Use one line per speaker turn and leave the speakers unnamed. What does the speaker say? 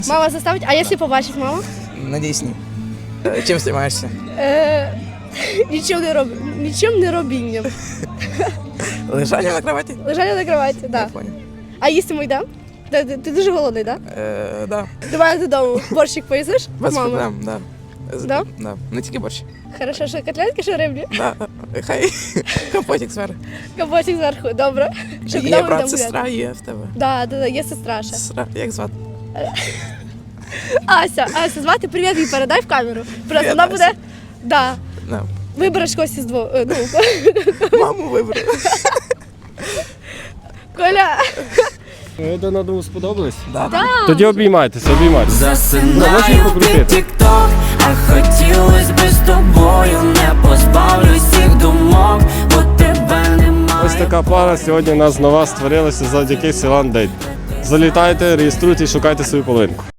Мама заставить, а якщо побачить мама?
Надіюсь, ні. Чим займаєшся?
Нічим не робінням.
Лежання на кроваті?
Лежання на кроваті, так.
Я
Да.
понял.
А їсти ми йдемо? Ти дуже голодний, так?
Да.
До мене додому борщик поїсиш?
Без
Мама?
проблем, да.
Да?
Да. Не тільки борщ.
Хорошо, що котлетки, що риблі?
Да. Хай компотик зверху.
Кабачик зверху, добре. Що, куди
Є
ми
брат,
йдемо
сестра,
гуляти?
є в тебе.
Да, є сестра ще.
Сестра, як звати?
Ася, звати, привіт їй передай в камеру. Просто
Привіт,
вона
Ася.
буде, да,
Да.
вибереш когось із двох,
Маму вибрав.
Коля.
Ви один одному сподобались?
Да.
Тоді обіймайтеся, обіймайтеся.
Засинаю під тік-ток, а хотілось би з тобою, не позбавлюсь цих думок, бо тебе немає.
Ось така пара сьогодні у нас нова створилася завдяки Сілан Дейт. Залітайте, реєструйте і шукайте свою половинку.